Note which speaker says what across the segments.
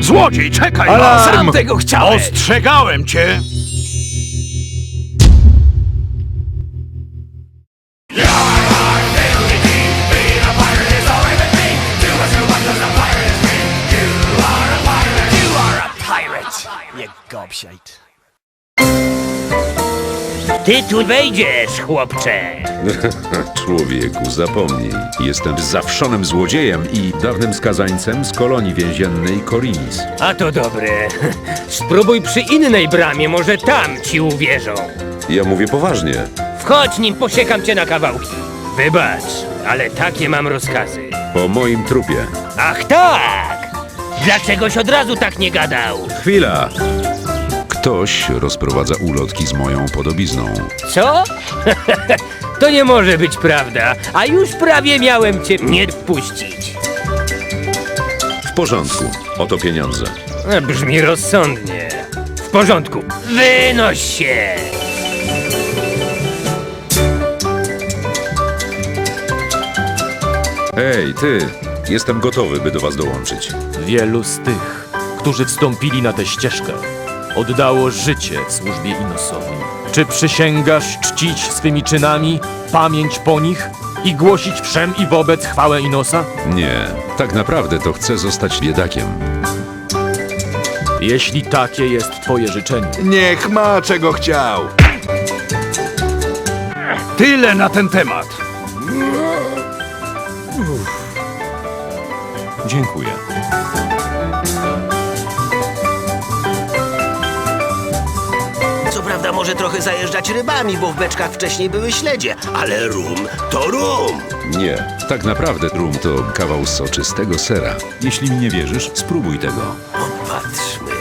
Speaker 1: Złodziej, czekaj!
Speaker 2: Alarm!
Speaker 1: Sam tego chciałem!
Speaker 2: Ostrzegałem cię!
Speaker 3: Nie gobsiajt.
Speaker 4: Ty tu wejdziesz, chłopcze.
Speaker 5: Człowieku, zapomnij. Jestem zawszonym złodziejem i dawnym skazańcem z kolonii więziennej Korinis.
Speaker 4: A to dobre. Spróbuj przy innej bramie, może tam ci uwierzą.
Speaker 5: Ja mówię poważnie.
Speaker 4: Wchodź, nim posiekam cię na kawałki. Wybacz, ale takie mam rozkazy.
Speaker 5: Po moim trupie.
Speaker 4: Ach tak! Dlaczegoś od razu tak nie gadał?
Speaker 5: Chwila! Ktoś rozprowadza ulotki z moją podobizną.
Speaker 4: Co? To nie może być prawda, a już prawie miałem cię nie wpuścić.
Speaker 5: W porządku. Oto pieniądze.
Speaker 4: Brzmi rozsądnie. W porządku. Wynoś się!
Speaker 5: Hej, ty! Jestem gotowy, by do was dołączyć.
Speaker 6: Wielu z tych, którzy wstąpili na tę ścieżkę, oddało życie w służbie Inosowi. Czy przysięgasz czcić swymi czynami pamięć po nich i głosić wszem i wobec chwałę Inosa?
Speaker 5: Nie, tak naprawdę to chcę zostać biedakiem.
Speaker 6: Jeśli takie jest twoje życzenie,
Speaker 2: Niech ma czego chciał. Tyle na ten temat.
Speaker 5: Dziękuję.
Speaker 3: Co prawda może trochę zajeżdżać rybami, bo w beczkach wcześniej były śledzie, ale rum to rum.
Speaker 5: Nie, tak naprawdę rum to kawał soczystego sera. Jeśli mi nie wierzysz, spróbuj tego.
Speaker 3: Popatrzmy.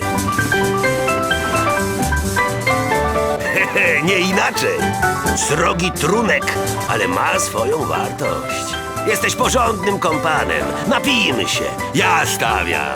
Speaker 3: Nie inaczej. Srogi trunek, ale ma swoją wartość. Jesteś porządnym kompanem. Napijmy się. Ja stawiam.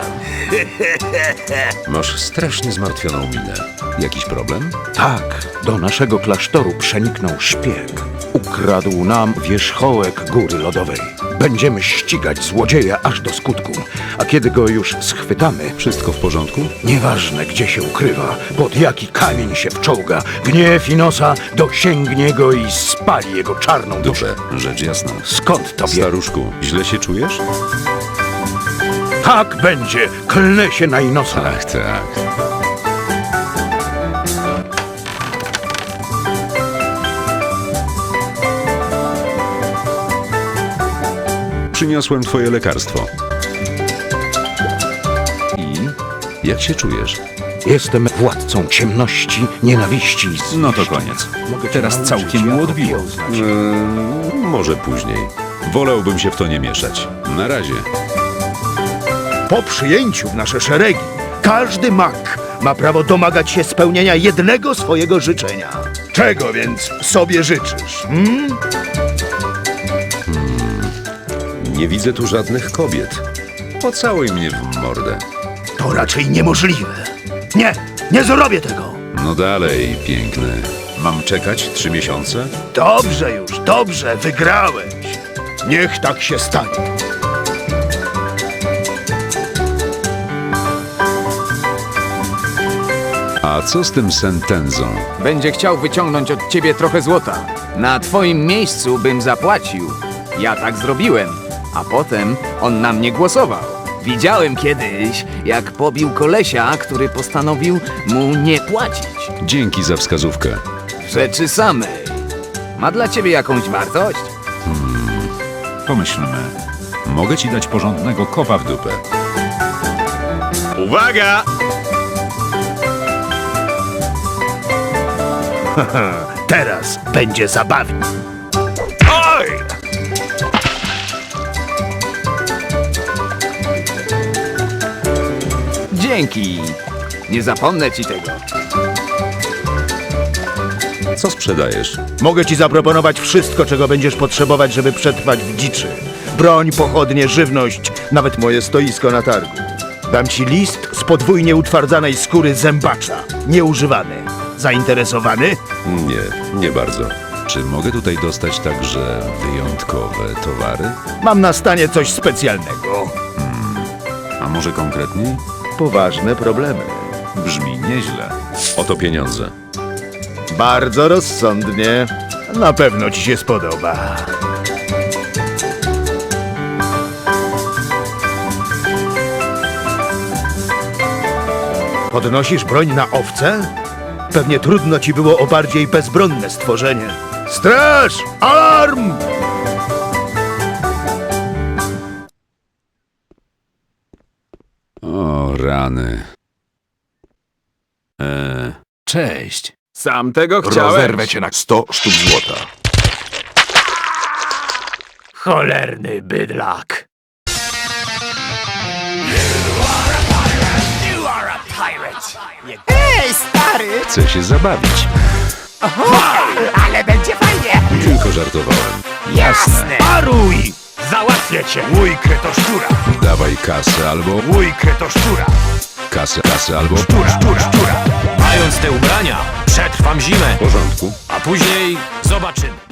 Speaker 5: Masz strasznie zmartwioną minę. Jakiś problem?
Speaker 2: Tak, do naszego klasztoru przeniknął szpieg. Ukradł nam wierzchołek góry lodowej. Będziemy ścigać złodzieja aż do skutku. A kiedy go już schwytamy,
Speaker 5: Wszystko w porządku?
Speaker 2: nieważne gdzie się ukrywa, pod jaki kamień się wczołga, gniew Inosa dosięgnie go i spali jego czarną duszę.
Speaker 5: Duszę, rzecz jasna.
Speaker 2: Skąd to wie?
Speaker 5: Staruszku, źle się czujesz?
Speaker 2: Tak będzie, klnę się na Inosa.
Speaker 5: Ach, tak. Przyniosłem twoje lekarstwo. I? Jak się czujesz?
Speaker 2: Jestem władcą ciemności, nienawiści i zniszczeń.
Speaker 5: No to koniec.
Speaker 2: Mogę
Speaker 5: Teraz
Speaker 2: cię
Speaker 5: całkiem
Speaker 2: nauczyć,
Speaker 5: mu
Speaker 2: jak
Speaker 5: odbiło.
Speaker 2: okiełznać.
Speaker 5: Może później. Wolałbym się w to nie mieszać. Na razie.
Speaker 7: Po przyjęciu w nasze szeregi każdy mag ma prawo domagać się spełnienia jednego swojego życzenia. Czego więc sobie życzysz?
Speaker 5: Nie widzę tu żadnych kobiet. Pocałuj mnie w mordę.
Speaker 7: To raczej niemożliwe. Nie, nie zrobię tego.
Speaker 5: No dalej, piękny. Mam czekać 3 miesiące?
Speaker 7: Dobrze już, dobrze, wygrałeś. Niech tak się stanie.
Speaker 5: A co z tym sentenzą?
Speaker 8: Będzie chciał wyciągnąć od ciebie trochę złota. Na twoim miejscu bym zapłacił. Ja tak zrobiłem, a potem on na mnie głosował. Widziałem kiedyś, jak pobił kolesia, który postanowił mu nie płacić.
Speaker 5: Dzięki za wskazówkę.
Speaker 8: W rzeczy samej. Ma dla ciebie jakąś wartość?
Speaker 5: Pomyślmy. Mogę ci dać porządnego kopa w dupę.
Speaker 2: Uwaga!
Speaker 7: Teraz będzie zabawnie.
Speaker 2: Oj!
Speaker 8: Dzięki. Nie zapomnę ci tego.
Speaker 5: Co sprzedajesz?
Speaker 7: Mogę ci zaproponować wszystko, czego będziesz potrzebować, żeby przetrwać w dziczy. Broń, pochodnie, żywność, nawet moje stoisko na targu. Dam ci list z podwójnie utwardzanej skóry zębacza, nieużywany. Zainteresowany?
Speaker 5: Nie bardzo. Czy mogę tutaj dostać także wyjątkowe towary?
Speaker 7: Mam na stanie coś specjalnego.
Speaker 5: A może konkretniej?
Speaker 7: poważne problemy.
Speaker 5: Brzmi nieźle. Oto pieniądze.
Speaker 7: Bardzo rozsądnie. Na pewno ci się spodoba. Podnosisz broń na owce? Pewnie trudno ci było o bardziej bezbronne stworzenie. Straż! Alarm!
Speaker 5: O, rany.
Speaker 1: Cześć.
Speaker 9: Sam tego chciałem.
Speaker 2: Rozerwę cię na 100 sztuk złota.
Speaker 6: Cholerny bydlak.
Speaker 5: Chcę się zabawić.
Speaker 9: Ale będzie fajnie.
Speaker 5: Tylko żartowałem.
Speaker 9: Jasne.
Speaker 6: Paruj! Załatwię cię!
Speaker 9: Łójkę to szczura.
Speaker 5: Dawaj kasę albo...
Speaker 9: Łójkę to szczura.
Speaker 5: Kasę albo...
Speaker 6: Mając te ubrania, przetrwam zimę,
Speaker 5: W porządku.
Speaker 6: a później zobaczymy.